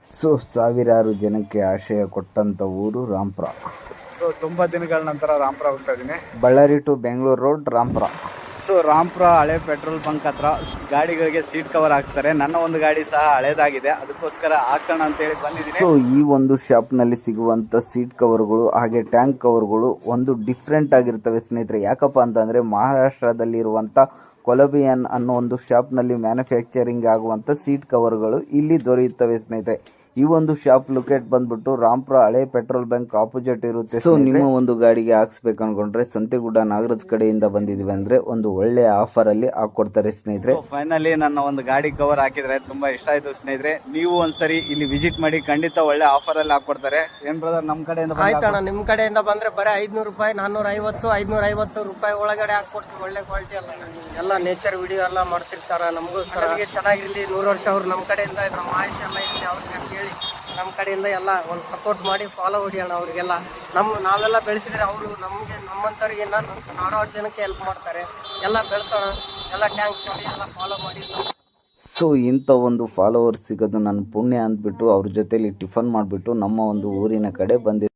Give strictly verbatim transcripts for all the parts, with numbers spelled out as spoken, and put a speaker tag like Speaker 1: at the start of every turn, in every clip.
Speaker 1: So ಸಾವಿರಾರು ಜನಕ್ಕೆ ಆಶಯ ಕೊಟ್ಟಂತ ಊರು ರಾಂಪುರ.
Speaker 2: ಸೊ ತುಂಬ ದಿನಗಳ ನಂತರ ರಾಂಪುರ ಹೋಗ್ತಾ ಇದ್ದೀನಿ.
Speaker 1: Ballari to Bengaluru road Rampura.
Speaker 2: So Rampura ಹಳೆ ಪೆಟ್ರೋಲ್ ಬಂಕ್ ಹತ್ರ ಗಾಡಿಗಳಿಗೆ ಸೀಟ್ ಕವರ್ ಹಾಕ್ತಾರೆ. ನನ್ನ ಒಂದು ಗಾಡಿ ಸಹ ಹಳೇದಾಗಿದೆ, ಅದಕ್ಕೋಸ್ಕರ ಹಾಕೋಣ ಅಂತೇಳಿ ಬಂದಿದ್ದೀನಿ.
Speaker 1: ಸೊ ಈ ಒಂದು ಶಾಪ್ ನಲ್ಲಿ ಸಿಗುವಂತ ಸೀಟ್ ಕವರ್ಗಳು ಹಾಗೆ ಟ್ಯಾಂಕ್ ಕವರ್ಗಳು ಒಂದು ಡಿಫ್ರೆಂಟ್ ಆಗಿರ್ತವೆ ಸ್ನೇಹಿತರೆ. ಯಾಕಪ್ಪ ಅಂತಂದ್ರೆ ಮಹಾರಾಷ್ಟ್ರದಲ್ಲಿರುವಂತ ಕೊಲಬಿಯನ್ ಅನ್ನೋ ಒಂದು ಶಾಪ್ ನಲ್ಲಿ ಮ್ಯಾನುಫ್ಯಾಕ್ಚರಿಂಗ್ ಆಗುವಂತ ಸೀಟ್ ಕವರ್ಗಳು ಇಲ್ಲಿ ದೊರೆಯುತ್ತವೆ ಸ್ನೇಹಿತರೆ. ಈ ಒಂದು ಶಾಪ್ ಲೊಕೇಟ್ ಬಂದ್ಬಿಟ್ಟು ರಾಂಪುರ ಹಳೆ ಪೆಟ್ರೋಲ್ ಬಂಕ್ ಆಪೋಸಿಟ್ ಇರುತ್ತೆ. ಸೊ ನಿಮ್ಮ ಒಂದು ಗಾಡಿಗೆ ಹಾಕ್ಸ್ಬೇಕು ಅನ್ಕೊಂಡ್ರೆ ಸಂತೆಗುಡ್ಡ ನಾಗರಾಜ್ ಕಡೆಯಿಂದ ಬಂದಿದೀವಿ ಅಂದ್ರೆ ಒಂದು ಒಳ್ಳೆ ಆಫರ್ ಅಲ್ಲಿ ಹಾಕೊಡ್ತಾರೆ ಸ್ನೇಹಿತರೆ.
Speaker 2: ಫೈನಲಿ ನನ್ನ ಒಂದು ಗಾಡಿ ಕವರ್ ಹಾಕಿದ್ರೆ ತುಂಬಾ ಇಷ್ಟ ಆಯ್ತು ಸ್ನೇಹಿತರೆ. ನೀವು ಒಂದ್ಸರಿ ಇಲ್ಲಿ ವಿಸಿಟ್ ಮಾಡಿ, ಖಂಡಿತ ಒಳ್ಳೆ ಆಫರ್ ಅಲ್ಲಿ ಹಾಕೊಡ್ತಾರೆ. ಏನ್ ಬ್ರದರ್, ನಮ್ ಕಡೆಯಿಂದ
Speaker 3: ಆಯ್ತಣ್ಣ, ನಿಮ್ ಕಡೆಯಿಂದ ಬಂದ್ರೆ ಬರೀ ಐದ್ನೂರು ರೂಪಾಯಿ ನಾನ್ನೂರ ಐವತ್ತು ಐದ್ನೂರ ಐವತ್ತು ರೂಪಾಯಿ ಒಳಗಡೆ ಹಾಕೊಡ್ತೀವಿ. ಒಳ್ಳೆ ಕ್ವಾಲಿಟಿ ಎಲ್ಲ ಎಲ್ಲ ನೇಚರ್ ವಿಡಿಯೋ ಎಲ್ಲ ಮಾಡ್ತಿರ್ತಾರ. ನಮಗೋಸ್ಕರ ಚೆನ್ನಾಗಿರ್ಲಿ, ನೂರು ವರ್ಷ ಅವ್ರು ನಮ್ಮ ಕಡೆಯಿಂದ ನಮ್ಮ ಆಯುಷ್ ಎಲ್ಲ ಇರಲಿ ಅವ್ರಿಗೆ ಹೇಳಿ ನಮ್ಮ ಕಡೆಯಿಂದ ಎಲ್ಲ ಒಂದು ಸಪೋರ್ಟ್ ಮಾಡಿ ಫಾಲೋ ಹೊಡಿಯೋಣ ಅವ್ರಿಗೆಲ್ಲ. ನಮ್ಮ ನಾವೆಲ್ಲ ಬೆಳೆಸಿದ್ರೆ ಅವರು ನಮಗೆ ನಮ್ಮಂಥವ್ರಿಗೆ ಸಾವಿರಾರು ಜನಕ್ಕೆ ಹೆಲ್ಪ್ ಮಾಡ್ತಾರೆ. ಎಲ್ಲ ಬೆಳೆಸೋಣ, ಎಲ್ಲ ಟ್ಯಾಂಕ್ಸ್ ಮಾಡಿ ಎಲ್ಲ ಫಾಲೋ ಮಾಡಿ.
Speaker 1: ಸೊ ಇಂಥ ಒಂದು ಫಾಲೋವರ್ಸ್ ಸಿಗೋದು ನನ್ನ ಪುಣ್ಯ ಅಂದ್ಬಿಟ್ಟು ಅವ್ರ ಜೊತೆಲಿ ಟಿಫನ್ ಮಾಡಿಬಿಟ್ಟು ನಮ್ಮ ಒಂದು ಊರಿನ ಕಡೆ ಬಂದಿದ್ದೆ.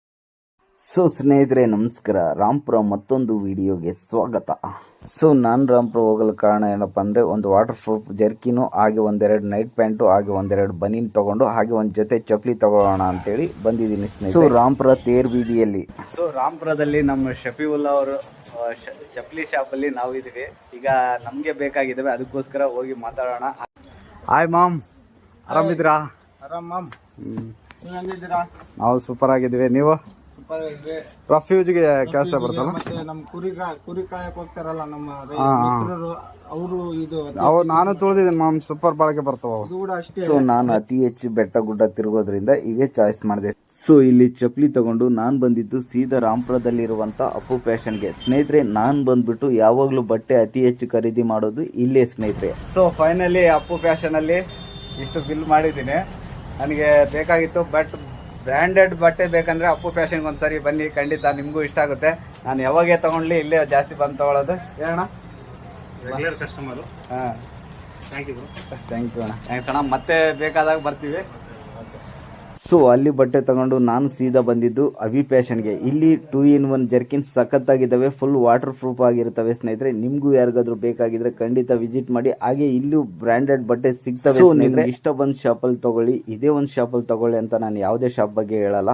Speaker 1: ಸೊ ಸ್ನೇಹಿತರೆ ನಮಸ್ಕಾರ, ರಾಂಪುರ ಮತ್ತೊಂದು ವಿಡಿಯೋಗೆ ಸ್ವಾಗತ. ಸೊ ನಾನು ರಾಂಪುರ ಹೋಗಲು ಕಾರಣ ಏನಪ್ಪ ಅಂದರೆ ಒಂದು ವಾಟರ್ ಪ್ರೂಫ್ ಜರ್ಕಿನು ಹಾಗೆ ಒಂದೆರಡು ನೈಟ್ ಪ್ಯಾಂಟು ಹಾಗೆ ಒಂದೆರಡು ಬನೀನ್ ತೊಗೊಂಡು ಹಾಗೆ ಒಂದು ಜೊತೆ ಚಪ್ಪಲಿ ತಗೊಳ್ಳೋಣ ಅಂತೇಳಿ ಬಂದಿದ್ದೀನಿ ಸ್ನೇಹಿತರೆ. ಸೊ ರಾಂಪುರ ತೇರ್ ಬೀದಿಯಲ್ಲಿ,
Speaker 2: ಸೊ ರಾಂಪುರದಲ್ಲಿ ನಮ್ಮ ಶಫೀವುಲ್ಲಾ ಅವರು ಚಪ್ಪಲಿ ಶಾಪಲ್ಲಿ ನಾವು ಇದೀವಿ. ಈಗ ನಮಗೆ ಬೇಕಾಗಿದ್ದಾವೆ, ಅದಕ್ಕೋಸ್ಕರ ಹೋಗಿ ಮಾತಾಡೋಣ. ಹಾಯ್ ಮಾಮ್, ಆರಾಮಿದ್ದೀರಾ?
Speaker 3: ಆರಾಮ್ ಮಾಮ್,
Speaker 2: ನೀವಿದ್ದೀರಾ? ನಾವು ಸೂಪರ್ ಆಗಿದ್ದೀವಿ. ನೀವು? ರಫ್ಯೂಜ್ಗೆ ಕೆಲಸ ಬರ್ತಲ್ಲ,
Speaker 3: ಮತ್ತೆ ನಮ್ಮ ಕುರಿ ಕುರಿ ಕಾಯಕ್ ಹೋಗ್ತಾರಲ್ಲ ನಮ್ಮ ಅವರು, ಇದು
Speaker 2: ಅವು ನಾನು ತುಳಿದಿದ್ದೀನಿ ಮಾಮ್, ಸೂಪರ್ ಬಾಳಿಕೆ ಬರ್ತಾವ
Speaker 3: ಅದು ಕೂಡ ಅಷ್ಟೇ.
Speaker 1: ಸೊ ನಾನು ಅತಿ ಹೆಚ್ಚು ಬೆಟ್ಟ ಗುಡ್ಡ ತಿರುಗೋದ್ರಿಂದ ಇವೇ ಚಾಯ್ಸ್ ಮಾಡಿದೆ. ಸೊ ಇಲ್ಲಿ ಚಪ್ಪಲಿ ತಗೊಂಡು ನಾನು ಬಂದಿದ್ದು ಸೀದಾ ರಾಂಪುರದಲ್ಲಿರುವಂತ ಅಪ್ಪು ಫ್ಯಾಷನ್ಗೆ. ಸ್ನೇಹಿತರೆ ನಾನು ಬಂದ್ಬಿಟ್ಟು ಯಾವಾಗಲೂ ಬಟ್ಟೆ ಅತಿ ಹೆಚ್ಚು ಖರೀದಿ ಮಾಡೋದು ಇಲ್ಲೇ ಸ್ನೇಹಿತರೆ.
Speaker 2: ಸೊ ಫೈನಲಿ ಅಪ್ಪು ಫ್ಯಾಷನ್ ಅಲ್ಲಿ ಇಷ್ಟು ಬಿಲ್ ಮಾಡಿದ್ದೀನಿ. ನನಗೆ ಬೇಕಾಗಿತ್ತು, ಬಟ್ ಬ್ರ್ಯಾಂಡೆಡ್ ಬಟ್ಟೆ ಬೇಕಂದ್ರೆ ಅಪ್ಪು ಫ್ಯಾಷನ್ಗೆ ಒಂದ್ಸರಿ ಬನ್ನಿ, ಖಂಡಿತ ನಿಮಗೂ ಇಷ್ಟ ಆಗುತ್ತೆ. ನಾನು ಯಾವಾಗೇ ತಗೊಂಡ್ಲಿ ಇಲ್ಲೇ ಜಾಸ್ತಿ ಬಂದು ತಗೊಳ್ಳೋದು. ಹೇಳೋಣ ಕಸ್ಟಮರು. ಹಾಂ, ಥ್ಯಾಂಕ್ ಯು ಥ್ಯಾಂಕ್ ಯು ಅಣ್ಣ. ಥ್ಯಾಂಕ್ಸ್ ಅಣ್ಣ, ಮತ್ತೆ ಬೇಕಾದಾಗ ಬರ್ತೀವಿ.
Speaker 1: ಸೊ ಅಲ್ಲಿ ಬಟ್ಟೆ ತಗೊಂಡು ನಾನು ಸೀದಾ ಬಂದಿದ್ದು ಅವಿ ಫ್ಯಾಷನ್ಗೆ. ಇಲ್ಲಿ ಟೂ ಇನ್ ಒನ್ ಜರ್ಕಿನ್ ಸಖತ್ತಾಗಿದ್ದಾವೆ, ಫುಲ್ ವಾಟರ್ ಪ್ರೂಫ್ ಆಗಿರ್ತವೆ ಸ್ನೇಹಿತರೆ. ನಿಮ್ಗೂ ಯಾರಿಗಾದ್ರೂ ಬೇಕಾಗಿದ್ರೆ ಖಂಡಿತ ವಿಸಿಟ್ ಮಾಡಿ. ಹಾಗೆ ಇಲ್ಲೂ ಬ್ರಾಂಡೆಡ್ ಬಟ್ಟೆ ಸಿಗ್ತವೆ. ಸೊ ನಿಮ್ಗೆ ಇಷ್ಟ ಬಂದ್ ಶಾಪಲ್ಲಿ ತಗೊಳ್ಳಿ, ಇದೇ ಒಂದು ಶಾಪಲ್ಲಿ ತಗೊಳ್ಳಿ ಅಂತ ನಾನು ಯಾವುದೇ ಶಾಪ್ ಬಗ್ಗೆ ಹೇಳಲ್ಲ.